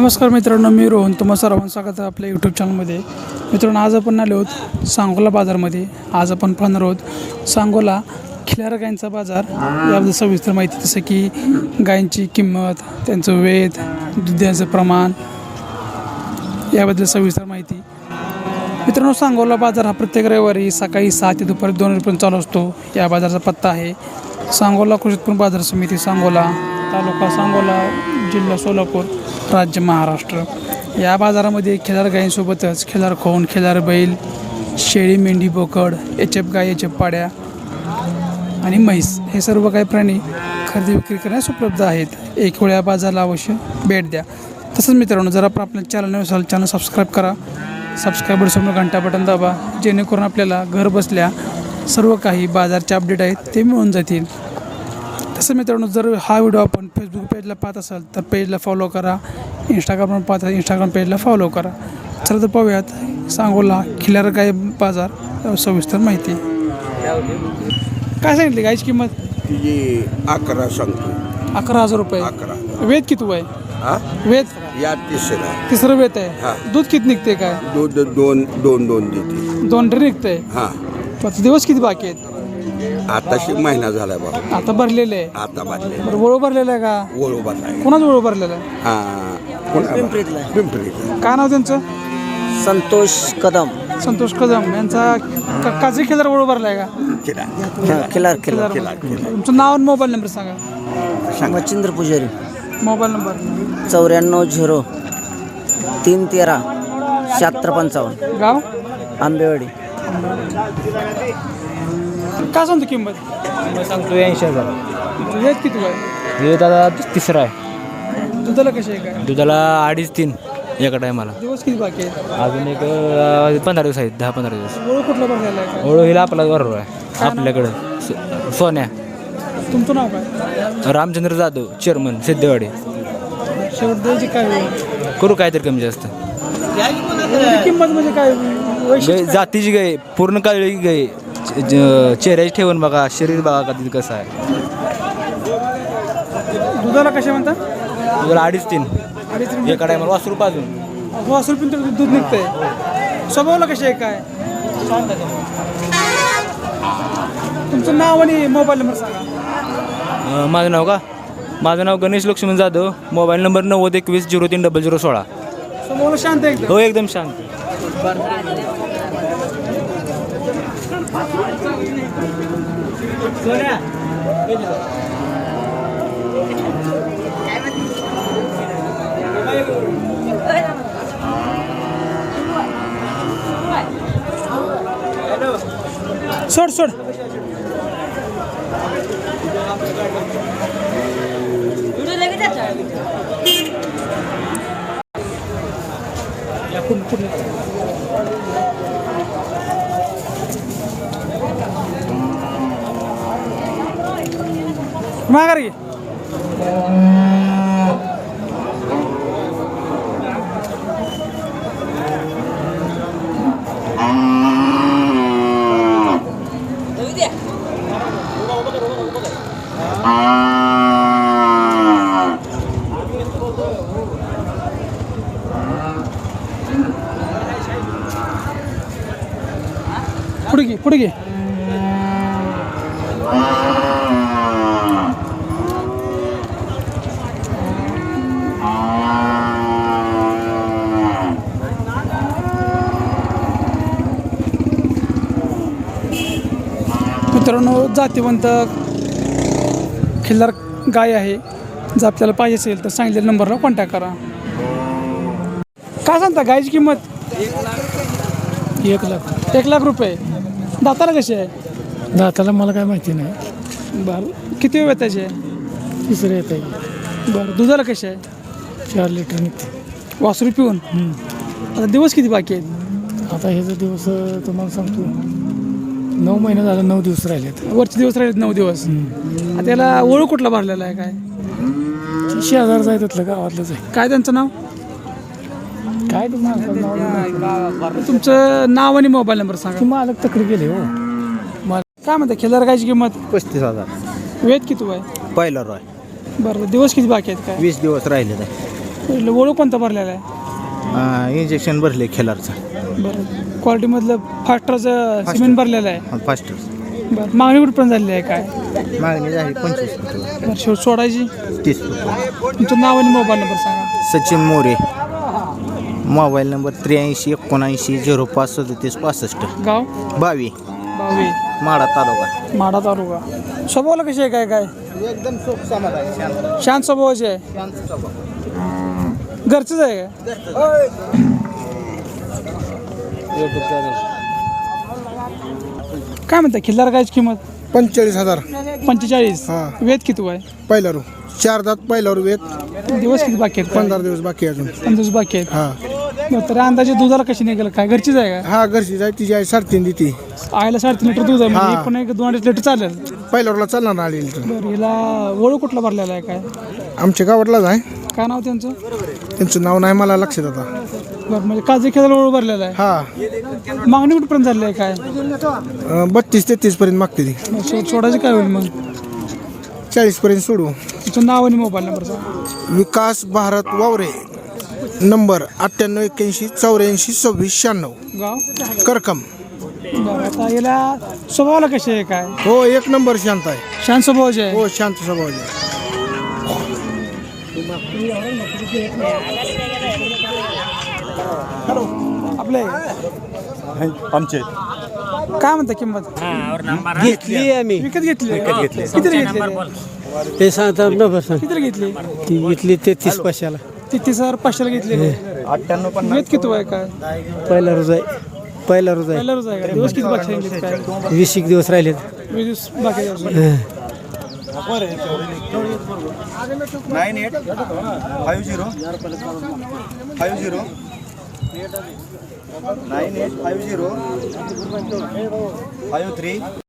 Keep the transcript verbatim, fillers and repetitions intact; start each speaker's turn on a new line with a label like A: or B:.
A: नमस्कार मित्रांनो, मी रोहन तुम्हा सर्वांचं स्वागत आहे आपल्या यूट्यूब चॅनलमध्ये. मित्रांनो, आज आपण आलो आहोत सांगोला बाजारमध्ये. आज आपण पाहणार आहोत सांगोला खिलार गायींचा बाजार. याबद्दल सविस्तर माहिती, जसं की गायींची किंमत, त्यांचं वेध, दुधाचं प्रमाण, याबद्दल सविस्तर माहिती. मित्रांनो, सांगोला बाजार हा प्रत्येक रविवारी सकाळी सहा ते दुपारी दोन वाजेपर्यंत चालू असतो. या बाजाराचा पत्ता आहे सांगोला कृषी उत्पन्न बाजार समिती, सांगोला, तालुका सांगोला, जिल्हा सोलापूर, राज्य महाराष्ट्र. या बाजारामध्ये खिलार गायींसोबतच खिलार खोंड, खिलार बैल, शेळी, मेंढी, बोकड, एच एफ गाय, एच एफ पाड्या आणि म्हैस हे सर्व काही प्राणी खरेदी विक्री करण्यास उपलब्ध आहेत. एक वेळ या बाजाराला अवश्य भेट द्या. तसंच मित्रांनो, जर आपण आपल्या चॅनल नसेल चॅनल सबस्क्राईब करा. सबस्क्राईबर समोर घंटा बटन दाबा, जेणेकरून आपल्याला घर बसल्या सर्व काही बाजारचे अपडेट आहेत ते मिळून जातील. तसं मित्रांनो, जर हा व्हिडिओ आपण फेसबुक पेजला पाहत असाल तर पेजला फॉलो करा. इंस्टाग्रामवर पाहत असाल इंस्टाग्राम पेजला फॉलो करा. चला तर पाहूयात सांगोला खिलार गाय बाजार सविस्तर माहिती. काय सांगितली गायची किंमत?
B: तिची अकरा सांगतो.
A: अकरा हजार रुपये.
B: अकरा.
A: वेद किती आहे?
B: हा
A: वेद
B: या तिसरा
A: तिसरं वेद
B: हा.
A: आहे. दूध किती निघते? काय
B: दूध दोन दोन दोन देते.
A: दोन ड्री निघतंय.
B: हा,
A: पाच दिवस किती बाकी आहेत?
B: आताशी महिना झाला बाबा.
A: आता भरलेले आहे.
B: आता बांधले
A: बरं, वळू भरलेलं आहे का?
B: वळू बांधलाय.
A: कोणाच वळू भरलेलं आहे?
B: हा, कोण
C: पिंपरीतला.
B: पिंपरीतला.
A: काय नाव त्यांचं?
C: संतोष कदम.
A: संतोष कदम यांचा क- काजळी खिलार वळू भरला आहे का?
B: किडा.
C: खिलार खिलार
A: खिलार. तुमचं नाव आणि मोबाईल नंबर सांगा.
C: मच्छिंद्र पुजारी.
A: Mobile number.
C: चौऱ्याण्णव झिरो तीन तेरा शहात्तर पंचावन्न.
A: गाव?
C: आंबेवाडी.
A: काय सांगतो किंमत?
D: मी सांगतो ऐंशी हजार.
A: वेद किती आहे?
D: हे दादा तिसरा आहे.
A: दुधाला कशी आहे? काय
D: दुधाला अडीच तीन एका टायमाला.
A: दिवस किती बाकी आहेत?
D: अजून एक अं, पंधरा दिवस आहेत, दहा पंधरा दिवस.
A: वळू कुठला भरलेला आहे?
D: ओळू हिला आपला बरोबर आहे आपल्याकडं. सो- सोन्या
A: काय तुमचं नाव काय?
D: रामचंद्र जाधव, चेअरमन, सिद्धेवाडी.
A: शेवट द्यायची काय होईल?
D: करू काहीतरी कमी जास्त.
A: एवढी किंमत म्हणजे काय वैशिष्ट्य
D: गाय
A: काय?
D: जातीची गाय, पूर्ण काळी गाय. ज- ज- चेहऱ्याची ठेवून बघा, शरीर बघा कधी कसं आहे.
A: दुधाला कशा म्हणतात?
D: दुधाला अडीच तीन
A: अडीच
D: एका टायमाला वासरू पाजून.
A: वासरू पण तर दूध निघतंय. स्वभावाला कशी आहे? काय तुमचं नाव आणि मोबाईल नंबर सांगा.
D: अं, माझं नाव का? माझं नाव गणेश लक्ष्मण जाधव. मोबाईल नंबर नव्वद एकवीस झिरो तीन डबल झिरो सोळा.
A: स्वभावाला शांत आहे एकदम.
D: हो, एकदम शांत.
A: सोड सोड. या पुढे पुढे. माघार घे. पुढे घे पुढे घे. मित्रांनो, जातीवंत खिल्लार गाय आहे. जर आपल्याला पाहिजे असेल तर सांगितलेल्या नंबरला कॉन्टॅक्ट करा. काय सांगता गायची किंमत?
E: एक लाख.
A: एक लाख रुपये. दाताला कशी आहे?
E: दाताला मला काय माहिती नाही.
A: बरं, किती वेळ त्याचे?
E: तिसरं येत आहे.
A: बरं, दुधाला कशी आहे?
E: चार लिटर निघते.
A: वासरू पिऊन. आता दिवस किती बाकी आहेत?
E: आता हे जर दिवस तुम्हाला सांगतो, नऊ महिने झाले, नऊ दिवस राहिलेत.
A: वरचे दिवस राहिले नऊ दिवस. आता त्याला ओळख कुठला भरलेला आहे? काय
E: शेजारचं आहे त्यातलं, गावातलंच आहे.
A: काय त्यांचं नाव?
E: काय तुम्हाला
A: तुमचं नाव आणि मोबाईल नंबर सांगा.
E: ती मालक तक्रार गेले हो.
A: काय म्हणता खिल्लार गायची किंमत?
C: पस्तीस हजार
A: वेद किती आहे?
C: पहिला रॉय.
A: बरं, दिवस किती बाकी आहेत? काय
C: वीस दिवस राहिले.
A: ओळख कोणता भरलेला आहे
F: इंजेक्शन भरले खेळाचं
A: बरं क्वालिटीमधलं फास्टरचं सिमेंट भरलेलं आहे
F: फास्ट
A: बरं मागणी कुठपर्यंत झालेली आहे काय
F: मागणी झाली पंचवीस रुपये
A: बरं शेवट सोडायची
F: तीस रुपये
A: तुमचं नाव आणि मोबाईल नंबर सांगा
F: सचिन मोरे मोबाईल नंबर त्र्याऐंशी एकोणऐंशी झिरो पाच सदतीस पासष्ट
A: गाव
F: बावी
A: बावी
F: माडा तालुका
A: माडा तालुका स्वभावाला कशी आहे काय काय
F: एकदम सुख समाधान
A: शांत स्वभावाची आहे घरचंच आहे काय काय म्हणता खिल्लार गायची किंमत
G: पंचेचाळीस हजार
A: पंचेचाळीस
G: हा.
A: वेद किती आहे
G: पहिला रू चार दात पहिला रू वेत
A: दिवस किती बाकी आहेत
G: पंधरा दिवस बाकी आहे अजून
A: पंधरा दिवस बाकी आहेत
G: हा
A: बरं, तर अंदाजे दुधाला कशी निघेल काय घरचीच आहे का
G: हा घरची जाय तिची आई साडेतीन देते
A: आईला साडेतीन लिटर दूध आहे म्हणजे
G: हा.
A: पण एक दोन अडीच लिटर चालेल
G: पहिल्या रूला चालणार ना आलेली तर
A: बरं हिला ओळख कुठला भरलेला आहे काय
G: आमच्या गावातलाच आहे
A: काय नाव त्यांचं
G: त्यांचं नाव नाही मला लक्षात आता
A: बरं म्हणजे काजू खेळायला ओळख भरलेला आहे
G: हा
A: मागणी कुठपर्यंत झाली आहे काय
G: अं, बत्तीस तेहतीस पर्यंत मागते ती
A: मग शेवट सोडायचं काय होईल मग
G: चाळीस पर्यंत सोडू
A: तुमचं नाव आणि मोबाईल नंबर सांगा
G: विकास भारत वावरे नंबर अठ्ठ्याण्णव एक्क्याऐंशी चौऱ्याऐंशी सव्वीस शहाण्णव
A: गाव
G: करकम
A: बरं आता हिला स्वभावाला कशी आहे काय
G: हो एक नंबर शांत आहे
A: शांत स्वभावाची आहे
G: हो शांत स्वभावाची आहे.
A: आपले
H: आमचे
A: काय म्हणता किंमत
E: घेतली आम्ही
A: विकत घेतली किती घेतली
E: ते सांगता नंबर सांग
A: किती घेतली
E: ती घेतली तेहतीस पाचशेला
A: ती तीस हजार पाचशेला घेतली वेद किती आहे काय
E: पहिला रोज आहे पहिला रोज आहे
A: पहिला रोज आहे का दिवस किती बाकी राहिले काय
E: वीस एक दिवस राहिलेत
A: वीस दिवस बाकी आहे.
H: Nine eight five zero five zero nine eight five zero five three